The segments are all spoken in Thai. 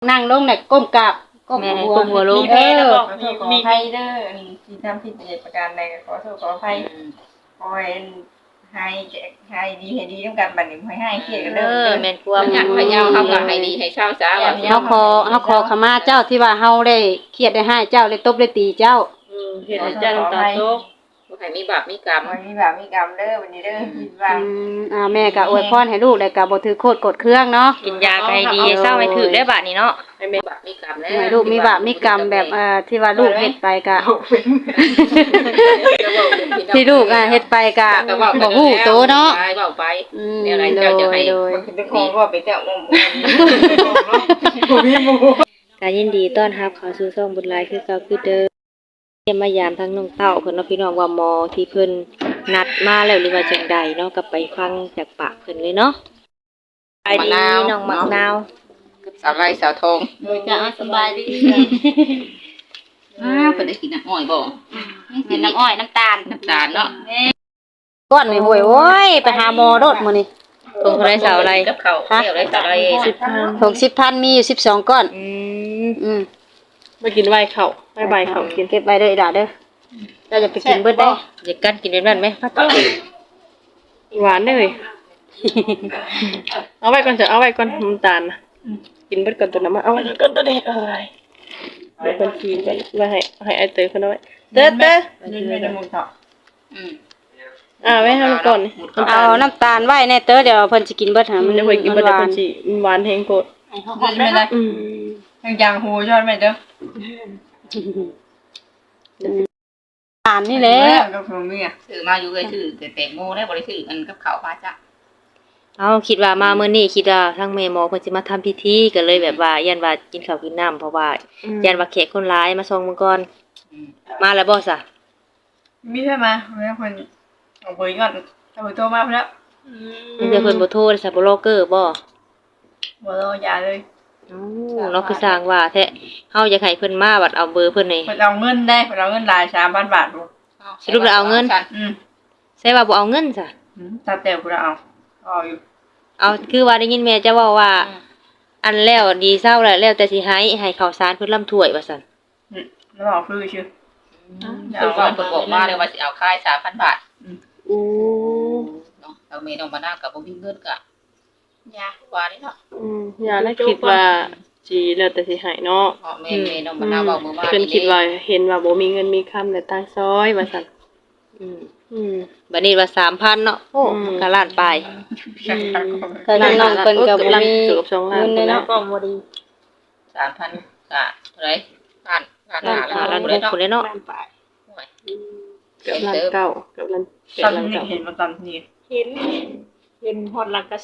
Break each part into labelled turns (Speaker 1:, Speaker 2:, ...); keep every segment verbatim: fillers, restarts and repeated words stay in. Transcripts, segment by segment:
Speaker 1: นั่งลงเนี่ยก้มกราบก้ม
Speaker 2: แม่
Speaker 1: หัว
Speaker 2: ก้มหัวลง
Speaker 1: เออ
Speaker 3: มีมีให้เด้อที่ทำผิดเหตุประการใดขอโทษขออภัยขอให้ให้ให้ดีให้ดีต้องการบัดนี้ให้ให้เครียดกัน
Speaker 2: เอ
Speaker 3: เด้อ
Speaker 2: อแม่นกลัว
Speaker 4: อยากพยายามเฮาก็ให้ดีให้เศร้าซะว่า
Speaker 1: เฮาขอเฮาขอขมาเจ้าที่ว่าเฮาได้เครียดได้ให้เจ้าได้ตบได้ตีเจ้า
Speaker 4: อืมเฮ็ดให้เจ้าน้ำตาตกบ่ให้มีบาปมีกรรม
Speaker 3: วันนี้แบบมีกรรมเด้อวันนี้เด้อคิดว่า
Speaker 1: อืมอ่าแม่ก็อวยพรให้ลูกแล้วก็บ่ถือโคตรกดเครื่องเนาะ
Speaker 2: กินยาก็ให้ดีให้เศร้าให้ถึกได้บาดนี้เนาะ
Speaker 4: ให้มีบาปมีกรรมแล้ว
Speaker 1: ให้ลูกมีบาปมีกรรมแบบเอ่อที่ว่าลูกเฮ็ดไปก็ที่ลูกอ่ะเฮ็ดไปก็บ่ฮู้โตเนาะ
Speaker 4: ไปเว้าไป
Speaker 1: อืม
Speaker 4: เดี๋ยวอะไร
Speaker 1: โด
Speaker 4: เจ้าย จะให้
Speaker 1: โดย
Speaker 3: มันเป็นของก็ไปแต่อมอ
Speaker 2: ก็ยินดีต้อนรับเข้าสู่ช่องบุญหลายคือเก่าคือเดิมเยี่ยมมายามทั้งน้องเต้าเพิ่นเนาะพี่น้องว่าหมอที่เพิ่นนัดมาแล้วหรือว่าจังใดเนาะก็ไปฟังจากปากเพิ่นเลยเนาะไปดีน้องมักนาว
Speaker 4: สาวไร่สาวทอง
Speaker 1: โดยจะสบายดี
Speaker 4: อ้าวเพิ่นได้กินน้ำอ้อยบ่
Speaker 1: เป็นน้ำอ้อยน้ำตาล
Speaker 4: น้ำตาลเนาะ
Speaker 1: ก้อนนี่ห่วยโอ้ยไปหาหมอโดดมื้อนี้
Speaker 2: ตรงเท่าไรสาวอะไร
Speaker 4: กับเขาเดี๋ยวได้สาวไรสิบพัน
Speaker 1: หกสิบพันมีอยู่สิบสองก้อน
Speaker 2: อืม
Speaker 1: อืม
Speaker 5: มากินใบเขาใบใบเขากิน
Speaker 1: เก็บไว้เด้ออีหล่าเด้อเราจะไปกินเบิดได้
Speaker 2: อยากกันกินเป็นแบบไหม
Speaker 5: หวานเลยเอาไว้ก่อนจะเอาไว้ก่อนน้ำตาลนะกินเบิดก่อนตัวน้ำมันเอาไว้ก่อนตัวเด็กเอ้ยเดี๋ยวคนทีกันไว้ให้ให้ไอเตยคนเอาไว้เตยเตย
Speaker 3: ยืนไม่ได้มุงเถาะ
Speaker 4: อืม
Speaker 5: อ่าไว้ให้มันก่อนนี่
Speaker 1: เอาน้ำตาลไว้แน่เด้อเดี๋ยวเพิ่นสิกินเบิดหา
Speaker 5: มั
Speaker 1: มัน น
Speaker 5: จะไปกินเบิด
Speaker 1: ห
Speaker 5: แต่
Speaker 1: วา
Speaker 5: คน นจีมันหวานแห้งโคตร
Speaker 3: ยืนไม่ได้
Speaker 5: อืม
Speaker 3: ยังยางหูชอบไหมเด้อ
Speaker 1: ตาลนี่แหละ
Speaker 3: ก็คงมีอ่ะ
Speaker 4: ซื้อมาอยู่เลยซื้อแต่แตงโมได้บ่ได้ซื้ออันกับข้าวพาจ้ะ
Speaker 2: เอาคิดว่ามามื้อนี้คิดว่าทั้งแม่หมอเพิ่นสิมาทำพิธีก็เลยแบบว่ายันว่ากินข้าวกินน้ำเพราะว่ายันว่าแขกคนร้ายมาส่งมื้อก่อน
Speaker 4: อืม
Speaker 2: มาแล้วบ่ซะ
Speaker 3: มีใช่ไหมแม่คนเอาเบอร์ก่อนเอาเบอร์โทรมาแล้ว
Speaker 2: มีแต่เพิ่นบ่โทรซะบ่โลเกอร์บ่
Speaker 3: เบอร์ยาเลย
Speaker 2: อ๋อเนาะคือสร้างว่าแท้เฮาอยากให้เพิ่นมาบัดเอาเบอร์เพิ่นนี่
Speaker 3: คนเอาเงินได้คนเอาเงินรายสามพันบาทดู
Speaker 2: สรุปแล้วเอาเงิน
Speaker 3: อืม
Speaker 2: ใช่ว่าบ่เอาเงินซะ
Speaker 3: ตัดแต่กูเอาเอาอยู่
Speaker 2: เอาคือว่าได้ยินแม่จะเว้าว่า อันแล้วดีเศร้าแล้วแล้วแต่สิให้ให้ข้าวสารเพิ่นลำถ้วยว่าซั่น
Speaker 3: แล้วบอกฟื้นชื่อ
Speaker 4: คือว่าเพิ่นบอกมาเลยว่าสิเอาค่ายสามพันบาท
Speaker 5: อู้
Speaker 4: เนาะเอาเมน้องมะนาวกับบ่มีเงินก็ยากกว่านี่เนาะ
Speaker 5: อืมอย่าได้คิดว่าจีแล้วแต่สิใหายเนาะ
Speaker 4: เพราะแม่แม่น้องมะนาวเว้ามื้อวาน
Speaker 5: เพิ่นคิดว่าเห็นว่าบ่มีเงินมีคำแต่ตั้งซอยว่าซั่น
Speaker 2: อืม
Speaker 5: อืม
Speaker 2: บัดนี้ว่า สามพัน เนาะโอ้
Speaker 5: อืม
Speaker 2: ก็ล้านปลาย
Speaker 1: เคยน้องๆเพิ่นก็บ่มี
Speaker 5: เกือบสองล้าน
Speaker 1: เงินเลยเนาะ
Speaker 5: ก็บ่ดี
Speaker 4: สามพันก็เท่าไหร่ล้านล้าน
Speaker 2: ล้าน
Speaker 4: ห้า
Speaker 2: ล้าน
Speaker 4: ล้าน
Speaker 2: หก
Speaker 4: หกเลยเนาะ
Speaker 2: พุ่นเลยเนาะ
Speaker 4: โอ้ย
Speaker 5: เกือบล้านเก้าเกือบล้านเกือ
Speaker 3: ตอบ น
Speaker 5: ล้าน
Speaker 3: นี้
Speaker 5: เก้า
Speaker 3: เห็นมาตอนนี้
Speaker 5: เห็นเห็นฮอดลักกะสิ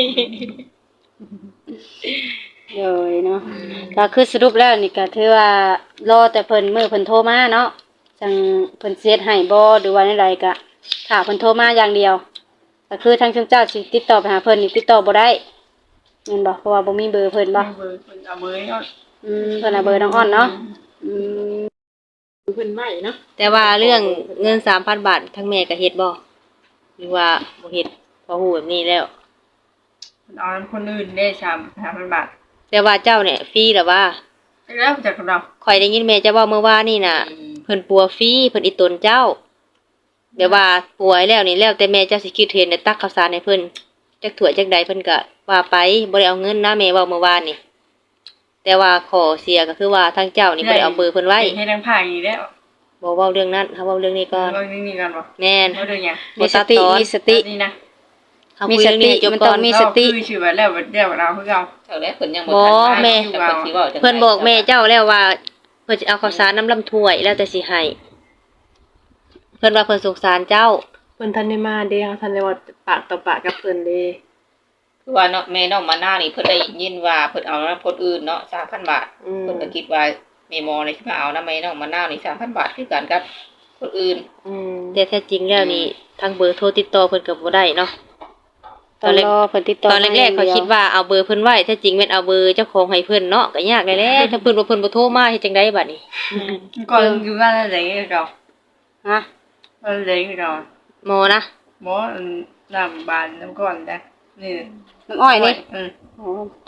Speaker 1: เลยเนาะก็คือสรุปแล้วนี่ก็ถือว่ารอแต่เพิ่นมื้อเพิ่นโทรมาเนาะจังเพิ่นสิเฮ็ดให้บ่หรือว่าใดๆก็ถ้าเพิ่นโทรมาอย่างเดียวก็คือทางชุมเจ้าสิติดต่อไปหาเพิ่นนี่ติดต่อบ่ได้แม่นบ่เพราะว่าบ่มีเบอร์เพิ่นบ่
Speaker 3: เบอร์คนเอาเบอร์ก่อน
Speaker 1: อืมเพิ่นเอาเบอร์น้องอ้อนเนาะอืม
Speaker 5: เพิ่นใหม่เนาะ
Speaker 2: แต่ว่าเรื่องเงิน สามพัน บาททั้งแม่ก็เฮ็ดบ่หรือว่าบ่เฮ็ดพอฮู้แบบนี้แล้ว
Speaker 3: เอาคนอื่นได้สามสามพันบาท
Speaker 2: แต่ว่าเจ้าเนี่ยฟรีหรือว่า
Speaker 3: แล้วจากเรา
Speaker 2: ข่อยได้ยินแม่เจะเว้าเมื่อวานนี่น่ะ
Speaker 4: อืม
Speaker 2: เพิ่นปัวฟรีเพิ่นอีตนเจ้าแบบว่าป่วยแล้วนี่แล้วแต่แม่เจ้าสิคิดเห็นได้ตักข้าวสารให้เพิ่นจักถ้วยจักใดเพิ่นก็ว่าไปบ่ได้เอาเงินนะแม่เว้าเมื่อวานนี่แต่ว่าขอเสียก็คือว่าทางเจ้านี่บ่ได้เอาเบอร์เพิ่นไว้
Speaker 3: ให้ทั้งผ่าอย่างนี้แล้ว
Speaker 2: บ่เว้าเรื่องนั้นเฮาเว้าเรื่องนี้ก่อน
Speaker 3: เรานี่นี่กันบ่
Speaker 2: แม่น
Speaker 3: เขาดูยัง
Speaker 1: มีสติมีสติ
Speaker 3: นี่นะ
Speaker 2: เฮา
Speaker 1: มี
Speaker 2: คุย
Speaker 1: ส
Speaker 2: เรื่อง
Speaker 1: ติ
Speaker 2: นี้ให้จบ
Speaker 1: มัน
Speaker 2: ก่
Speaker 1: ต้
Speaker 2: อ
Speaker 1: อน งมี
Speaker 3: เรา
Speaker 1: สติ
Speaker 3: คือชื่อว่าแล้วเดี๋ยวเราเพิ่งเอา
Speaker 4: เท่าแล้วเพิ่นยังบ่
Speaker 2: บ่
Speaker 4: ทัน
Speaker 2: แม่
Speaker 4: แต่เพิ่นสิเว้าจัง
Speaker 2: เพิ่นบอกแม่เจ้าแล้วว่าเพิ่นจะเอาข้าวสารน้ำลำถ้วยแล้วแต่สิให้เพิ่นว่าเพิ่นสงสารเจ้า
Speaker 5: เพิ่นทันได้มาเด้เฮาทันได้ว่าปากต่อปากกับเพิ่นเด้
Speaker 4: คือว่าเนาะแม่น้องมะนาวนี่เพิ่นได้ยินว่าเพิ่นเอานำคนอื่นเนาะสามพันบาท
Speaker 5: อืม
Speaker 4: เพิ่นก็คิดว่าแม่หมอนี่สิมาเอานำแม่น้องมะนาวนี่สามพันบาทคือกันกับคนอื่น
Speaker 5: อืม
Speaker 2: แต่แท้จริงแล้วนี่ทางเบอร์โทรติดต่อเพิ่นก็บ่ได้เนาะ ต
Speaker 1: ต้
Speaker 2: อ
Speaker 1: อน ง
Speaker 2: แรก
Speaker 1: รอเพิ่นติดต่อ
Speaker 2: ตอนแรกๆเขาคิดว่าเอาเบอร์เพิ่นไว้แท้จริงแม่นเอาเบอร์เจ้าของให้เพิ่นเนาะก็ยากได้แหล้วถ้าเพิ่นบ่เพิ่นบ่โทรมาเฮ็ดจังไดบัดนี้
Speaker 3: ก่อนอยู่บ้านอะไรเรา
Speaker 1: ฮะ
Speaker 3: อะไรเรา
Speaker 2: หมอนะ
Speaker 3: หมอน้ำบานน้ำก้อนจ้ะนี่
Speaker 1: น้ำอ้อยนี่
Speaker 3: อืม
Speaker 1: โอ้จัก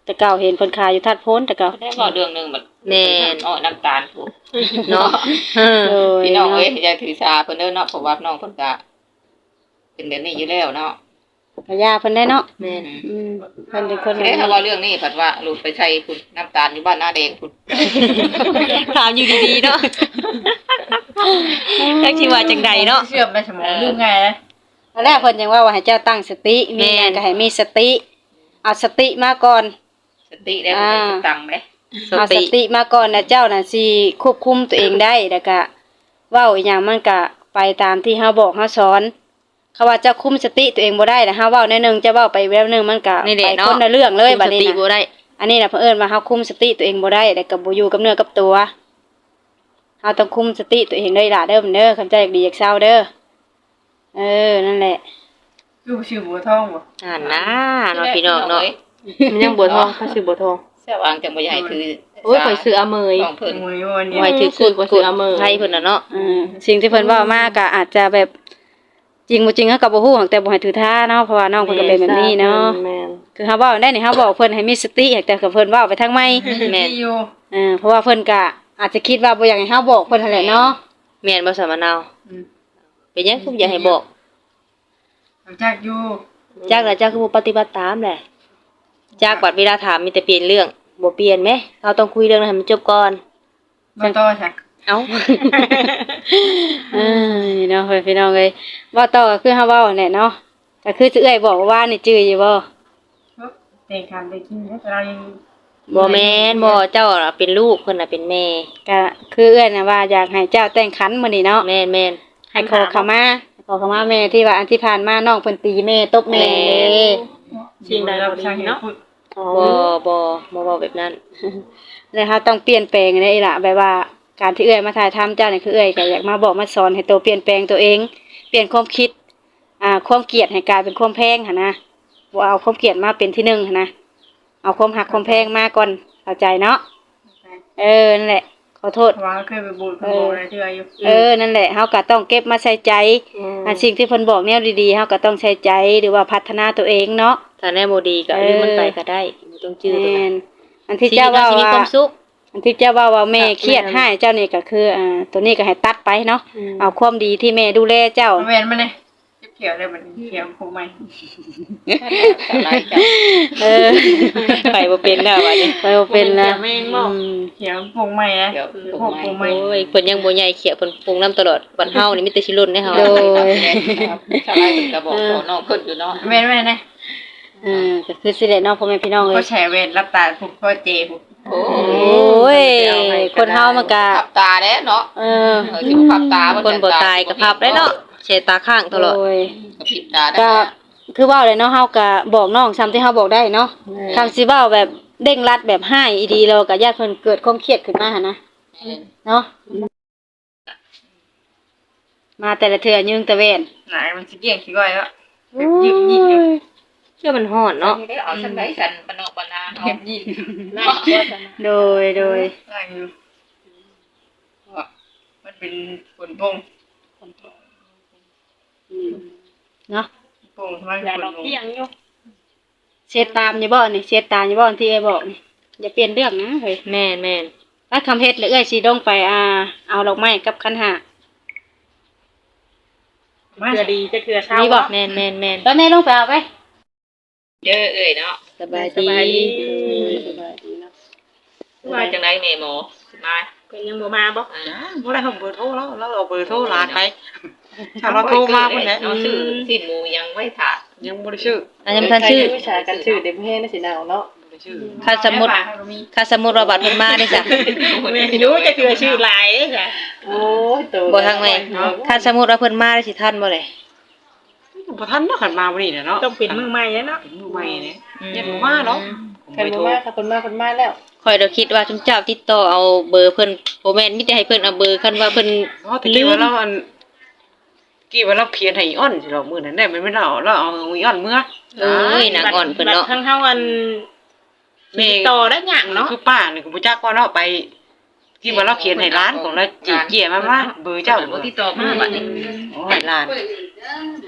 Speaker 1: แต่เก่าเห็นเพิ่นขายอยู่ทัดโพ้นแต่เก่า
Speaker 4: ได้บอกเรื่องหนึงแบบ
Speaker 2: แม่น
Speaker 4: อ้อน้ำตาลถูก
Speaker 2: เนาะเออ
Speaker 1: โดย
Speaker 4: พี่น้อง
Speaker 1: เนาะ
Speaker 4: เอ้ยอย่าถือสาเพิ่นเด้อเนาะเพราะว่าน้องเพิ่นก็เป็นแบบนี้อยู่แล้วเนาะ
Speaker 1: กะยาเพิ่นได้เนาะ
Speaker 2: แม่น
Speaker 1: อืมเพิ่นเป็นคน
Speaker 4: เอ้ยถ้าว่าเรื่องนี้เพิ่นว่าหลุดไปใช้คุณน้ำตาลอยู่บ้านหน้าแดงคุณ
Speaker 2: ถามอยู่ดีๆเนาะจักสิว่าจังใดเนาะ
Speaker 3: เชื่อมในสมองดูไงนะ
Speaker 1: ตอนแรกเพิ่นยังว่าว่าให้เจ้าตั้งสติมีหยังก็ให้มีสติเอาสติมาก่อน
Speaker 4: สติแล้วมันจะตังค์ไหม
Speaker 1: เอาสติมาก่อนนะเจ้าน่ะสิควบคุมตัวเองได้แล้วก็เว้าอีหยังมันก็ไปตามที่เฮาบอกเฮาสอนเขาว่าเจ้าคุมสติตัวเองบ่ได้นะเฮาเว้าในหนึงจะเว้าไปแบบนึงมันก็
Speaker 2: นี่แห
Speaker 1: ไป
Speaker 2: ละเนาะ
Speaker 1: คนละเรื่องเลยบัดนี้
Speaker 2: สติบ่
Speaker 1: นะ
Speaker 2: ได้
Speaker 1: อันนี้น่ะเพิ่นเอิ้นว่าเฮาคุมสติตัวเองบ่ได้แล้วก็บ่อยู่กับเนื้อกับตัวเฮาต้องคุมสติตัวเองเด้อล่ะเด้อมันเด้อคำใจอยากดีอยากเศร้าเด้อเออนั่นแหละ
Speaker 3: คือชื่อบัวทองบ่
Speaker 2: อ่านนะเนาะพี่น้องเนาะ
Speaker 5: มันยังบัวทองเขาชื่อบัวทอง
Speaker 4: เสื้อวางจังบ่ใหญ่ถือ
Speaker 5: โอ้ยข่อยซื้ออาเมย
Speaker 4: ของเพิ่น
Speaker 3: มวยวันนี้
Speaker 2: ไว้ถือ
Speaker 5: ซื้
Speaker 2: กุ
Speaker 5: อ
Speaker 2: ด
Speaker 5: กว่า
Speaker 2: กุ
Speaker 5: ซื้
Speaker 2: ด
Speaker 5: ออาเมย
Speaker 2: ไทยเพิ่นน่ะเนาะ
Speaker 1: อืมสิ่งที่เพิ่นเว้ามาก็อาจจะแบบจริงบ่จริงเฮาก็บ่ฮู้หรอกแต่บ่ให้ถือท่าเนาะเพราะว่าน้องเพิ่นก็เป็นแบบนี้เนาะ
Speaker 5: แม่น
Speaker 1: คือเฮาเว้าได้นี่เฮาบอกเพิ่นให้มีสติแต่ก็เพิ่นเว้าไปทางไม่
Speaker 3: แม่อยู่
Speaker 1: เออเพราะว่าเพิ่นก็อาจจะคิดว่าบ่อยากให้เฮาบอกเพิ่นนั่นแหละเนาะ
Speaker 2: แม่นบ่สามะนาวเป็นหยังคืออยากให้บอก
Speaker 3: จักอยู่
Speaker 2: จักแล้วจักคือบ่ปฏิบัติตามแหละจักบัดเวลาถามมีแต่เปลี่ยนเรื่องบ่เปลี่ยนแหมเราต้องคุยเรื่องนั้นให้มันจบก่อน
Speaker 3: บ่ต่อจ้ะ
Speaker 2: เอ้า
Speaker 1: เออนี่เนาะเพิ่นพี่น้องเอ้ยเว้าต่อก็คือเฮาเว้านั่นแหละเนาะก็คือสิเอื้อยบอกว่านี่จื้ออยู่บ่
Speaker 3: เตะคันไปกินแล้วเรายัง
Speaker 2: บ่แม่นบ่เจ้าน่ะเป็นลูกเพิ่นน่ะเป็นแม่
Speaker 1: ก็คือเอื้อยน่ะว่าอยากให้เจ้าแต่งขันมื้อนี้เนาะ
Speaker 2: แม่นแม่น
Speaker 1: ให้ขอขมาขอขมาแม่ที่ว่าอันที่ผ่านมาน้องเพิ่นตีแม่ตบแม่เด้
Speaker 5: สิ่งใดบ่ดีเนาะอ๋อ
Speaker 2: บ่บ่บ่เว้าแบบนั้น
Speaker 1: แล้วเฮาต้องเปลี่ยนแปลงได้อีหล่ะแบบว่าการที่เอื้อยมาถ่ายทำเจ้านี่คือเอื้อยก็อยากมาบอกมาสอนให้โตเปลี่ยนแปลงตัวเอง เปลี่ยนความคิดอ่าความเกลียดให้กลายเป็นความแพงหั่นนะบ่เอาความเกลียดมาเป็นที่หนึ่งหั่นนะเอาความหักความแพงมาก่อนเข้าใจเนาะเออนั่นแหละขอโทษ
Speaker 3: ว่าเคยไปบูดเพิ่นบอกอะไรเทื่ออยู่
Speaker 1: เออนั่นแหละเฮาก็ต้องเก็บมาใส่ใจอันสิ่งที่เพิ่นบอกแนวดีๆเฮาก็ต้องใส่ใจหรือว่าพัฒนาตัวเองเนาะ
Speaker 2: ถ้าแน่บ่ดีก็
Speaker 1: เออ
Speaker 2: ลืมมันไปก็ได้บ่ต้องจื้อตัว
Speaker 1: แม่
Speaker 2: นั้น
Speaker 1: นอันที่
Speaker 2: ชีวิ
Speaker 1: เจ้า
Speaker 2: ตเรา
Speaker 1: ว่า
Speaker 2: สิมี
Speaker 1: ว่า
Speaker 2: ความสุข
Speaker 1: อันที่เจ้าว่าว่าแม่เครียดให้เจ้านี่ก็คืออ่าตัวนี้ก็ให้ตัดไปเนาะเอาความดีที่แม่ดูแลเจ้า
Speaker 3: แม่นมาเลยเขียวเลยมันเขียวคงไม่
Speaker 4: อะไรจ้ะ
Speaker 1: เออ
Speaker 2: ไปบ่เป็นแล้วบัดนี้
Speaker 1: ไปบ่เป็นแล้ว
Speaker 5: แม่งบอก
Speaker 1: อืม
Speaker 3: เขียวคงไม่นะ
Speaker 4: เดี๋ยว
Speaker 3: พวกคงไม่
Speaker 2: โอ้ยเพิ่นยังบ่ใหญ่เขียเพิ่นปรุงน้ำตลอดบัดเฮานี่มีแต่สิลุ่นให้เฮา
Speaker 1: โดย
Speaker 4: ชาวไร่เพิ่นก็บอกขอน้องเพิ่นอยู่เนาะ
Speaker 3: แม่นแม่นนะ
Speaker 1: เออก็คือสิได้เนาะพ่อแม่พี่น้องเอ้
Speaker 3: ก็
Speaker 1: ย
Speaker 3: แฉเวรรับตาพวกพ่อเจพวก
Speaker 4: โอ้
Speaker 1: โอ้ยคนเฮามันก็
Speaker 4: ขับตาเด้เนาะ
Speaker 1: เออ
Speaker 4: เออสิบ่ขับตา
Speaker 2: คนบ่ตายก็พับได้เนาะเชตาข้างตลอด
Speaker 1: โย
Speaker 4: ผิดตาได้
Speaker 1: ก็คือเว้าเลยเนาะเฮาก็บอกน้องซ้ำที่เฮาบอกได้เนาะคำสิเว้าแบบเด้งรัดแบบให้อีดีเราก็ญาติเพิ่นเกิดความเครียดขึ้นมาหั่นนะเนาะมาแต่ละเทื่อยึงตะเวน
Speaker 3: หนามันสิเกี่ยงขี้ก้อยแล้วยืดยืดอยู่
Speaker 2: เชื่อมันฮ้อนเนาะ
Speaker 4: ได้เอาซั่นได้ซั่นปะเนาะปะนา
Speaker 3: เก็
Speaker 4: เนาะ
Speaker 3: บยืด
Speaker 1: โดยโดย
Speaker 3: ได้อยู่มันเป็นฝนพง
Speaker 1: เนาะ
Speaker 3: พงมัน
Speaker 5: อย่า
Speaker 3: ฝ
Speaker 5: ดอน ก
Speaker 3: พง
Speaker 5: เที่ยงอยู่
Speaker 1: เช็ดตามอยู่บ่นี่เช็ดตามอยู่บ่ที่ไอ้บอกนี่อย่าเปลี่ยนเรื่องนะเฮ้ย
Speaker 2: แม่นแม่น
Speaker 1: ถ้าคำเฮ็ดเลยเอ้ยสิลงไปอ่าเอาดอกไม้กับคันหา
Speaker 5: เกลือดีจะเกลือเช้า
Speaker 1: มีบ่
Speaker 2: แม่นแม่นแม่น
Speaker 1: แล้วแม่ลงไปเอาไป
Speaker 4: เด้อเอ้ยเนาะ
Speaker 2: สบาย
Speaker 5: ส
Speaker 2: ดี
Speaker 5: บายดี
Speaker 4: มาจังไดแม่หมอสิมา
Speaker 5: เพิ่นยังบ่มาบ่
Speaker 4: อ่า
Speaker 6: บ่ได้ผมเบอร์โทรแล้วแล้วเอาเบอร์โทรหลานไปถ้าเราโทรมาพุ่นแหละ
Speaker 4: เอาชื่อสิ้นหมูยังไว้ถ่า
Speaker 6: ยังบ่ได้ชื่อ
Speaker 2: อันยังบ่ทันชื่อ
Speaker 5: วิชาการชื่อเด็กแม่น่ะสิหนาวเนาะ
Speaker 6: บ่ได้ชื่อ
Speaker 2: ถ้าสมมุติถ้าสมมุติว่าบัดเพิ่นมาได้จ้ะ
Speaker 5: ไม่รู้จะเกลือชื่อหลายเด้จ้ะโอ้ยตัว
Speaker 2: บ่ทางแม่ถ้าสมมุติว่าเพิ่นมาได้สิทันบ่เลย
Speaker 6: บ่ทันเนาะคันมาบ่นี่แหละเนาะ
Speaker 5: ต้องเป็นมือใหม่แล้วเนาะ
Speaker 6: เป็นมือใหม่เนี่ยยันบ่มาเนาะผม
Speaker 5: คัน
Speaker 6: ไป
Speaker 5: บ่
Speaker 6: โทร
Speaker 5: มาถ้าเพิ่นมาเพิ่นมาแล้ว
Speaker 2: ข่อยเราคิดว่าจุมเจ้าติดต่อเอาเบอร์เพิ่นบ่แม่นมีแต่ให้เพิ่นเอาเบอร์คันว่าเพิ่น
Speaker 6: เพราะตะกี้ว่าเราอันกี้ว่าเราเพียนให้อีอ้อนสิเรามื้อนั้นได้มันไม่เราเราเอาอีอ้อนเมื่อ
Speaker 2: เอ้ยนางอ่อนเพิ่นเนาะ
Speaker 5: บัดทั้งเฮาอันติดต่อได้หยังเนาะ
Speaker 6: คือป้านี่ก็บ่จักว่าเนาะไปที่ว่าเราเขียนให้ร้านของเราจีเกียมามาเบอร์เจ้า
Speaker 4: บ่
Speaker 6: เบอร์
Speaker 4: ติดต่อมาบัดนี้
Speaker 6: โอ้ยหลาน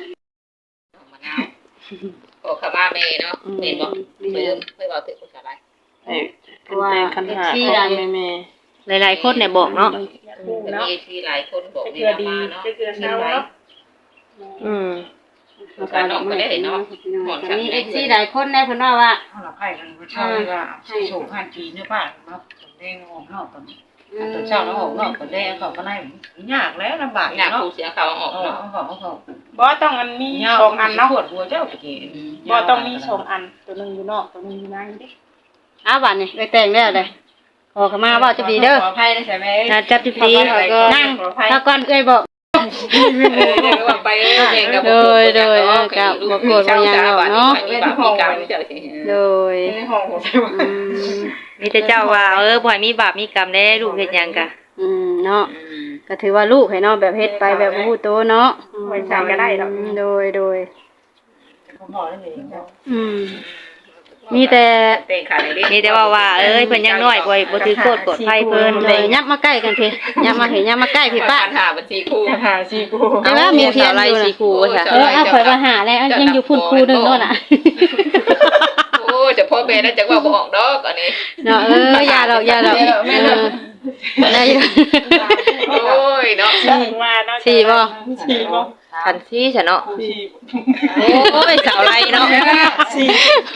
Speaker 4: มะนาวโอ้ขามาแม่เนาะแม่นบ่เพิ่นเพิ่นบอกถึงภาษาอะไร
Speaker 5: ให้เพิ่นแต่งคันหาของแม่
Speaker 2: หลายๆคนเนี่ยบอกเนาะ
Speaker 4: มีที่หลายคนบอกนี่มาเนาะ
Speaker 3: เกือเช้าเนาะ
Speaker 2: อืม
Speaker 4: การนอกก็ได้เนาะหมด
Speaker 1: มีเอฟซีหลายคนได้เพิ่นว่าว่า
Speaker 6: เอาล่ะไผกันบ่เช่าว่าสิโชว์ผ่านจีนเนี่ยป้าเนาะตอนแดงออกนอกตอนตอนเช้าแล้วออกนอกตอนแดงเขาก็ได้ยากแล้วลำบาก
Speaker 4: อยาก
Speaker 6: เนาะ
Speaker 4: ผู้เสียเขาออก
Speaker 6: เอา
Speaker 4: เนาะ
Speaker 6: เอาเอาเอา
Speaker 3: บ่ต้องอันมีสองอันเนาะ
Speaker 6: ปวดหัวเจ้าตะกี้
Speaker 3: บ่ต้องมีสองอันตัวนึงอยู่นอกตัวนึงอยู่ในเด้
Speaker 1: อ้าวบัดนี้ไปแต่งแล้วเลยขอเข้ามาเว้าจะดีเด้อ
Speaker 3: ขออภัยนะใช่มั้ย
Speaker 1: ถ้าจับดีๆนั่งถ้าก่อนเอ้ยบอก
Speaker 4: เออเดี๋ยวว่าไปเองกับ
Speaker 1: โดยโดยเออกับบ่โกรธบ่หยังหรอกเนาะ
Speaker 4: มีบาปมีกรรมเจ้าสิ
Speaker 1: โดย
Speaker 3: ในห้องของ
Speaker 1: อืม
Speaker 2: มีแต่เจ้าว่าเออบ่ให้มีบาปมีกรรมแน่ลูกเฮ็ดหยังกะ
Speaker 1: อืมเนาะก็ถือว่าลูกให้เนาะแบบเฮ็ดไปแบบบ่ฮู้โตเนาะ
Speaker 3: ไว้ใช้ก็ได้ดอก
Speaker 1: อืมโดยโดย
Speaker 6: ผมบอกนั่นเองครับ
Speaker 1: อืมมีแต่
Speaker 4: เตะขาเล็ก
Speaker 2: มีแต่ว่าว่าเอ้ยเพิ่นยังน้อยบ่บ่ถือโทษกดไผเพิ่น
Speaker 1: เลยยับมาใกล้กันพี่ยับมาพี่ยับมาใกล้พี่ป้า
Speaker 4: หาบัญชีคู่
Speaker 3: หาสิกู
Speaker 1: แต่ว่ามีเพียง
Speaker 2: ไร
Speaker 1: อยู่
Speaker 2: สี
Speaker 1: นะ
Speaker 2: ครูว่าซะ
Speaker 1: เออเอาข่อยมาหาแล้วยังอยู่พุ่นครูหนึงโน่นน่ะ
Speaker 4: โอ้จะพ่อแม่แล้วจะว่าบ่ออกดอกอันนี้
Speaker 1: เนาะเอออย่าหรอกอย่าหรอกแม่เนาะได้อยู่
Speaker 4: โอ้ยเนาะ
Speaker 3: สี่มาเนาะ
Speaker 1: สี่บ่
Speaker 3: สี่บ่
Speaker 2: คันซี่ซะเนาะ
Speaker 3: สี่
Speaker 2: โอ้ยสาวไรเนาะ
Speaker 3: สี่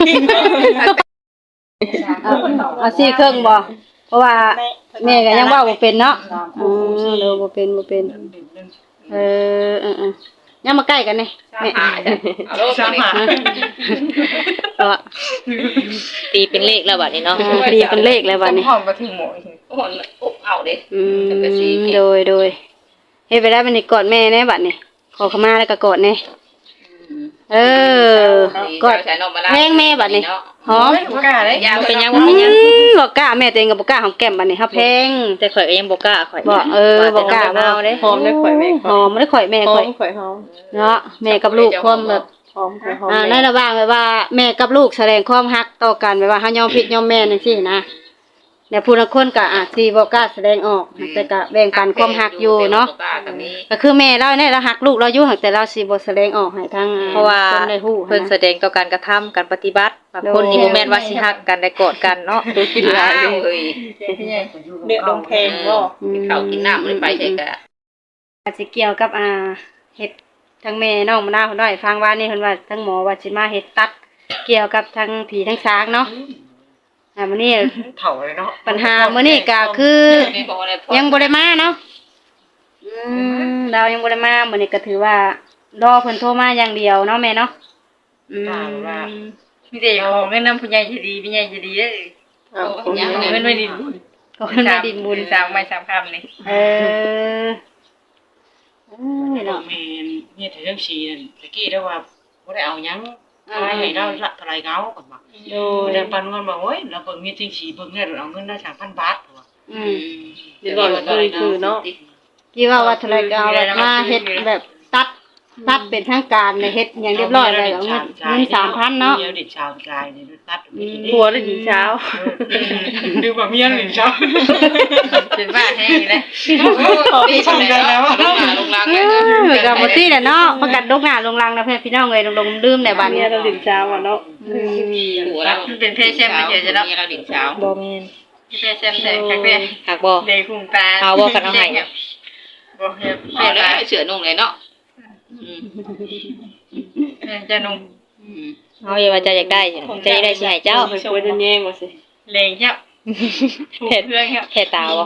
Speaker 1: เอาเอาสี่เครื่องบ่เพราะว่าแม่ก็ยังเว้าบ่เป็นเนาะอือเด้อบ่เป็นบ่เป็นเออเออๆยังมาใกล้กันนี่แม่
Speaker 4: เอาโลกมานี่
Speaker 1: ก็
Speaker 2: ตีเป็นเลขแล้วบัดนี้เนาะ
Speaker 1: เรียกเป็นเลขแล้วบัดนี้
Speaker 3: ห้องมาถึงหมออีก
Speaker 4: โอ้โหอบเอาเด้
Speaker 1: อืมโดยโดยเฮ็ดไปได้บัดนี้กอดแม่แน่บัดนี้ขอเข้ามาแล้วก็กอดแน่เออกอดแพงแม่บัดนี้หอม
Speaker 3: บ่กล้าเลย
Speaker 4: ยา
Speaker 2: บ่
Speaker 4: เป็
Speaker 2: เป็น น
Speaker 4: ยั
Speaker 2: ยัง งบ่เป็นหยัง
Speaker 1: บ่กล้าแม่ตัวเองก็บ่กล้าหอมแก้มบัดนี้เฮาแพง
Speaker 2: แต่ข่อยก็ยังบ่กล้าข่อย
Speaker 1: บ่เออบ่กล้าบ่
Speaker 2: เด้
Speaker 5: หอมได้ข่อยแม่
Speaker 1: หอมบ่ได้ข่อยแม่
Speaker 5: หอ
Speaker 1: ข่อย
Speaker 5: มข่อยหอม
Speaker 1: เนาะแม่กับลูกความแบบ
Speaker 5: หอมข่อยหอม
Speaker 1: อ่าในระหว่างแบบว่าแม่กับลูกแสดงความรักต่อกันแบบว่าเฮายอมผิดยอมแม่จังซี่นะแต่ผู้ละคนก็อาจสิบ่กล้าแสดงออกแต่ก็แบ่งปันความรักอยู่เนาะก็คือแม่เราเนี่ยเรารักลูกเราอยู่แต่เราสิบ่แสดงออกให้ทาง
Speaker 2: เพราะว่า
Speaker 1: คนได้ฮู้
Speaker 2: เพิ่นแสดงต่อการกระทำการปฏิบัติบางคนนี่บ่แม่นว่าสิฮักกันได้กอดกันเนาะ
Speaker 5: ดูกินหลาย
Speaker 4: อ้าว
Speaker 5: เลย
Speaker 4: เฮ้ย
Speaker 3: เดือดลงเพลงบ่
Speaker 1: อืม
Speaker 4: เขากินน้ำเลยไปใช่กะ
Speaker 1: อาจสิเกี่ยวกับอ่าเฮ็ดทางแม่น้องมะนาวเพิ่นว่าให้ฟังว่านี่เพิ่นว่าทางหมอว่าสิมาเฮ็ดตัด เกี่ยวกับทางผีทางช้างเนาะอ่ามื้อนี้
Speaker 6: เถ่าเลยเนาะ
Speaker 1: ปัญหามื้อนี้ก็คือ ยังบ่ได้มาเนาะอืมเรายังบ่ได้มามื้อนี้ก็ถือว่ารอเพิ่นโทรมาอย่างเดียวเนาะแม่เนาะอืม
Speaker 3: มีแต่ของเงินนำผู้ใหญ่ใจดีผู้ใหญ่ใจดีเด้อ
Speaker 5: เอาผม
Speaker 3: เงินไม่ดินบุญ
Speaker 1: ก็เพิ่นมาดินบุญ
Speaker 3: สามใบสามคำนี่
Speaker 1: เออเออเนาะ
Speaker 6: แม่เนี่ยถึงเรื่องชีนั่นตะกี้ได้ว่าบ่ได้เอาหยังทายให้เราละทลายเงาก่อนว่า
Speaker 1: โด
Speaker 6: บ่
Speaker 1: ย
Speaker 6: ได้ปันเงินมาโอ้ยเราเบิ่งมีจริงสีเบิ่งเนี่ยเอาเงินได้สามพันบาทว่า
Speaker 1: อืม
Speaker 5: เดี๋ยวก่อนคือคือเนาะ
Speaker 1: กี่ว่าว่าเทะเลก็เอาแบบมาเฮ็ดแบบตัดตัดเป็นทางการเนี่ยเฮ็ดอย่างเรียบร้อยเลยเอาเงินเงินสามพันเนาะ
Speaker 6: เมียเด็กชาวกายนี่ตัดมี
Speaker 5: ผัวได้ถึงเช้า
Speaker 6: ดูว่าเมียเด็กชาว
Speaker 3: เป็นบ้าแห้งเลย
Speaker 4: ดีจังเลยนะว่าลงลัง
Speaker 1: เอ
Speaker 4: เลย
Speaker 1: อก็บ่ติแหละเนาะประกันลงหน้าลงหลังนะเพิ่นพี่น้องเอ้ยลงๆลืมในบ้าน
Speaker 5: เมี
Speaker 1: เนี่ย ย
Speaker 5: เราถึงเช้าอ่ะเนาะ
Speaker 1: อืม
Speaker 4: หัวเราเป็นเพศเช่นไม่เฉยจะเนาะเราดิ่งเช้า
Speaker 2: บ่แม่น
Speaker 3: เพศเช่นแต่ครั้งแรก
Speaker 2: หักบ่
Speaker 3: เด็กคุ้มตาบ่เฮ็ด
Speaker 4: เอาเลยเสือนุ่งเลยเนาะ
Speaker 3: จะนุ่ม
Speaker 2: เอาอย่าว่าจะอยากได้จะอยากได้สิให้เจ้า
Speaker 5: ไปควรจะแย่งบ่สิ
Speaker 3: เลงครับถูก
Speaker 2: เฮ็ด
Speaker 3: เรื่องครับ
Speaker 2: เฮ็ดตาบ่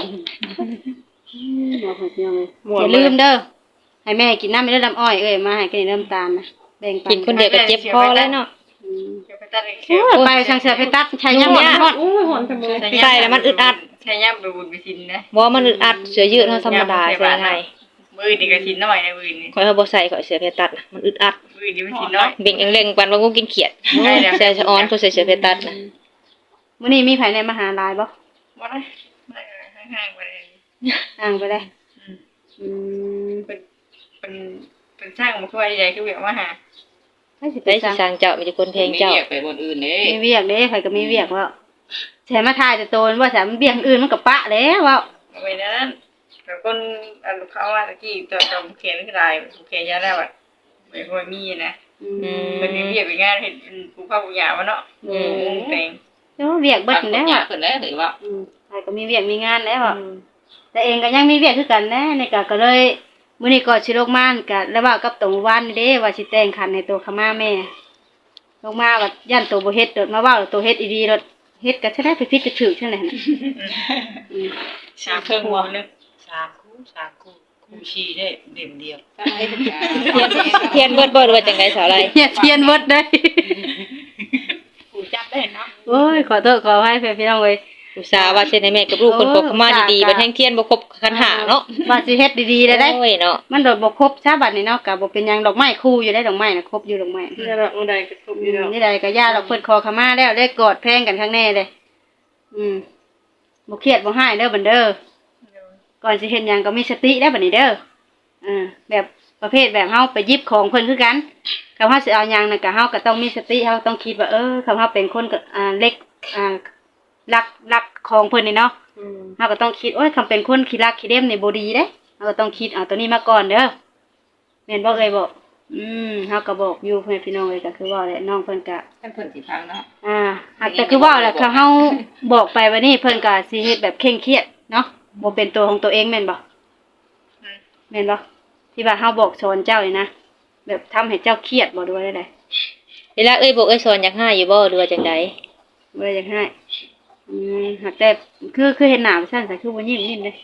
Speaker 1: อย่าลืมเด้อให้แม่กินน้ำไม่ได้ลำอ้อยเอ้ยมาให้กินน้ำตาลนะแบ่งปัน
Speaker 2: กินคนเดียวก็เจ็บคอแล้วเนาะ
Speaker 1: อืม
Speaker 3: เดี๋ยวไปตัดเอง
Speaker 1: โอ้ยไปทางเสือไปตัดใช้ยำบ่ฮอด
Speaker 5: อู้หอนจังเลย
Speaker 2: ใส่แล้วมันอึดอัด
Speaker 3: ใช้ย่ำไปบุญไปชินนะ
Speaker 2: บ่มันอึดอัดเสื้อยืดเฮาธรรมดาใส่ง่าย
Speaker 3: มือดีก็ชินน้อยนะมือนี่
Speaker 2: ข่อยเฮาบ่ใส่ข่อยเสื้อเพชรตัดน่ะมันอึดอัด
Speaker 3: มือดีมันชินน้อย
Speaker 2: เบ่งเร่งๆปันว่างูกินเขียด
Speaker 3: ได้แล้ว
Speaker 2: ใส่สะออนเขาใส่เสื้อเพชรตัดน่ะ
Speaker 1: มื้อนี้มีไผในมหาลัยบ่
Speaker 3: บ่ได้ไม่ห่างๆไปเลย
Speaker 1: อ่างไปได้อืม
Speaker 3: เป็นเป็นเป็นสร้างมาช่วยใหญ่คือเวียกมาหา
Speaker 1: ให้สิไป
Speaker 2: ได้สิ
Speaker 1: สั่ง
Speaker 2: สร้างเจ้ามีแต่คนเพลงเจ้า
Speaker 4: ไปบนอื่นเด้
Speaker 1: มีเวียกเด้ข่อยก็มีเวียกว่าแถมมาทายแต่โตนว่าแถมเวียกอื่นมันก็ปะแล้วว่า
Speaker 3: เอาไว้นั้นแต่คนอันเขาว่าตะกี้ตัวจอมเขียนคือลายเขียนยาแล้วอ่ะไม่ค่อยมีนะ
Speaker 1: อืม
Speaker 3: เป็นมีเวียกเป็นงานเห็นปูข้าวปูหยามาเนาะ
Speaker 1: อืม
Speaker 3: แต่ง
Speaker 1: โโอ้เวียกเบิดนั่นแหละ
Speaker 4: ยากเพิ่นแล้วถือว่า
Speaker 1: อืมใครก็มีเวียกมีงานแล้วอะแต่เองก็ยังมีเวียกคือกันแน่ในก็ก็เลยมื้อนี้ก็สิลงมาก็แล้วว่ากับตรงวันนี่เด้ว่าสิแต่งขันให้ตัวขม่าแม่ลงมาว่าย่านตัวบ่เฮ็ดเด้อมาเว้าแล้วตัวเฮ็ดอีดีเด้อเฮ็ดก็สิได้ไปผิดไปถูกจังได๋น่ะอืม
Speaker 6: สามคู่นึงสามคู่สามคู่คู่ชีได้เด่มเดียว
Speaker 2: เทียนเบิดบ่หรือว่าจังได๋สาวไร
Speaker 1: เฮียเทียนเบิดได้
Speaker 6: คู่จับได้เนาะ
Speaker 1: โอ้ยขอโทษขออภัยพี่น้องเว้ย
Speaker 2: อุตส่าห์ว่าเช่นให้แม่กับลูกเพิ่นขอเข้ามาดีๆบัดแห่งเทียนบ่ครบคันหาเนาะ
Speaker 1: ว่าสิเฮ็ดดีๆได้ได้
Speaker 2: โอ้ยเนาะ
Speaker 1: มันโดดบ่ครบซะบัดนี้เนาะก็บ่เป็นหยังดอกไม้คู่อยู่ได้ดอกไม้น่ะครบอยู่ดอกไม้
Speaker 5: นี่แหละมื้อใดก็ครบอยู่แล้ว
Speaker 1: นี่ใดก็ย่าดอกเพิ่นขอขมาแล้วได้กอดแพงกันข้างแน่เลยอืมบ่เครียดบ่ให้เด้อบัดเด้อก่อนสิเฮ็ดหยังก็มีสติได้บัดนี้เด้ออ่าแบบประเภทแบบเฮาไปหยิบของเพิ่นคือกันคำเฮาสิเอาหยังน่ะก็เฮาก็ต้องมีสติเฮาต้องคิดว่าเออคำเฮาเป็นคนก็อ่าเล็กอ่ารักรักของเพิ่นนี่เนาะ
Speaker 5: อืม
Speaker 1: เราก็ต้องคิดโอ้ยคำเป็นคนขี้รักขี้เล่มในบ่ดีเด้เราก็ต้องคิดเอาตัวนี้มาก่อนเด้อแม่นบ่เอ่ยบอกอืมเฮาก็บอกอยู่เพื่อนพี่น้องเอ้ยก็คือว่าแหละน้องเพิ่นก็
Speaker 4: ท่านเพิ่นสิพังเนาะ
Speaker 1: อ่าหากแต่คือว่าแหละคือเฮาบอกไปว่านี่เพิ่นก็สิเฮ็ดแบบเคร่งเครียดเนาะบ่เป็นตัวของตัวเองแม่นบ่แม่นบ่ที่ว่าเฮาบอกสอนเจ้านี่นะแบบทำให้เจ้าเครียดบ่ด้วยได้
Speaker 2: เวลาเอ้ยบอกเอ้ยสอนอยากให้อยู่บ่หรือว่าจังได๋
Speaker 1: บ่ได้อยากให้อืมหากแต่คือคือเห็นหน้าซั่นซะคือบ่ยิ้มยิ้มเด้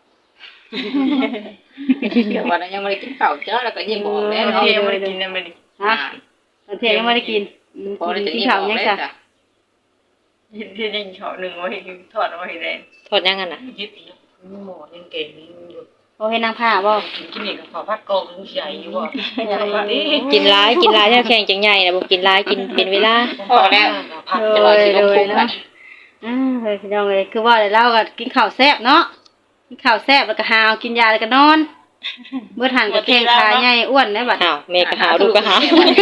Speaker 4: เดี๋ยววันนั้นยังบ่ได้กินข้าวเจ้าแล้วก็ยิ้มออกแล้ว
Speaker 6: เที่
Speaker 4: เนาะ
Speaker 6: ยวไม่ได้กินนะมัน
Speaker 1: ฮะตอนเที่ยงยังบ่ได้กินอืม
Speaker 4: พอได้จะ
Speaker 1: กิน
Speaker 4: ยิ้ม
Speaker 1: ข้าว
Speaker 4: ออก
Speaker 1: ยัง
Speaker 4: แล้ว
Speaker 1: จ้ะ
Speaker 4: จ้ะ
Speaker 6: เห็นที่ได้เขาหนึ่งว่าเห็นทอดว่าเห็นแดง
Speaker 2: ถอดยังกันน่ะ
Speaker 6: ยึดหมอยังเก่งอยู่
Speaker 1: โอเฮ็ดนางผ้าบ่
Speaker 6: กินนี่กับข้าวผัดกองใหญ่อยู่ว่านี่
Speaker 2: กินหลายกินหลายแท้แข็งจังใหญ่น่ะบ่กินหลายกินเป็นเวลา
Speaker 4: พอแล้ว
Speaker 6: ผัด
Speaker 4: จะว่าสิลงพุงกัน
Speaker 1: อ่าเฮ้ยพี่น้องเอ้ยคือว่าแต่เราก็กินข้าวแซ่บเนาะกินข้าวแซ่บแล้วก็หาวกินยาแล้วก็นอนเบิดหันก็แข้งขาใหญ่อ้วนได้บัด
Speaker 2: อ้าวแม่ก็หาวลูกก็หาว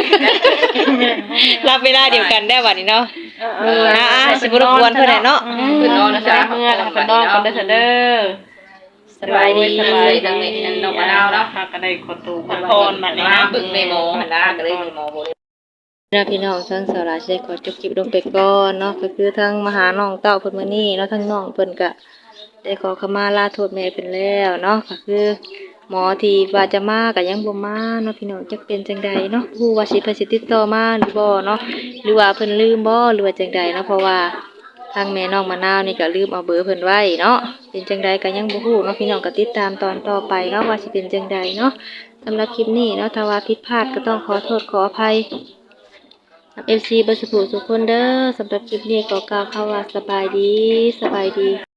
Speaker 2: รับเวลาเดียวกันได้บัดนี้เนาะเอออ่าๆสิบ่รบกวนเพิ่นแหละเนาะ
Speaker 4: เพิ่นนอนนะ
Speaker 5: จะ
Speaker 4: จ๊ะ
Speaker 5: ได้เมื่อแล้วก็นอนกันเด้อเด้อ
Speaker 2: สบายดี
Speaker 5: สบาย
Speaker 4: ทาง
Speaker 5: ดี
Speaker 4: นี้น้องมะนาวเนาะ
Speaker 5: ค่ะก็ได้ขอตัว
Speaker 4: มัน
Speaker 5: พ
Speaker 4: พ
Speaker 5: ร
Speaker 4: ร
Speaker 5: มา
Speaker 4: มัน
Speaker 5: นี่
Speaker 4: นะ
Speaker 5: นะ
Speaker 4: บึกในหมอหันหน้าก็เลยมีหมอบ่ได้
Speaker 2: นะพี่น้องทั้งสาวราชได้ขอจบคลิปลงไปก่อนเนาะก็คือทั้งมาหาน้องเต้าเพิ่นมื้อนี้แล้วทั้งน้องเพิ่นก็ได้ขอขมาลาโทษแม่เพิ่นแล้วเนาะก็คือหมอที่ว่าจะมาก็ยังบ่มาเนาะพี่น้องจักเป็นจังใดเนาะฮู้ว่าสิเพิ่นสิติดต่อมาหรือบ่เนาะหรือว่าเพิ่นลืมบ่หรือว่าจังใดเนาะเพราะว่าทางแม่น้องมะนาวนี่ก็ลืมเอาเบอร์เพิ่นไว้เนาะเป็นจังใดก็ยังบ่ฮู้เนาะพี่น้องก็ติดตามตอนต่อไปเนาะว่าสิเป็นจังใดเนาะสำหรับคลิปนี้เนาะถ้าว่าผิดพลาดก็ต้องขอโทษขออภัย เอฟซีเบอร์สุขทุกคนเด้อสำหรับคลิปนี้ก็กล่าวคำว่าสบายดีสบายดี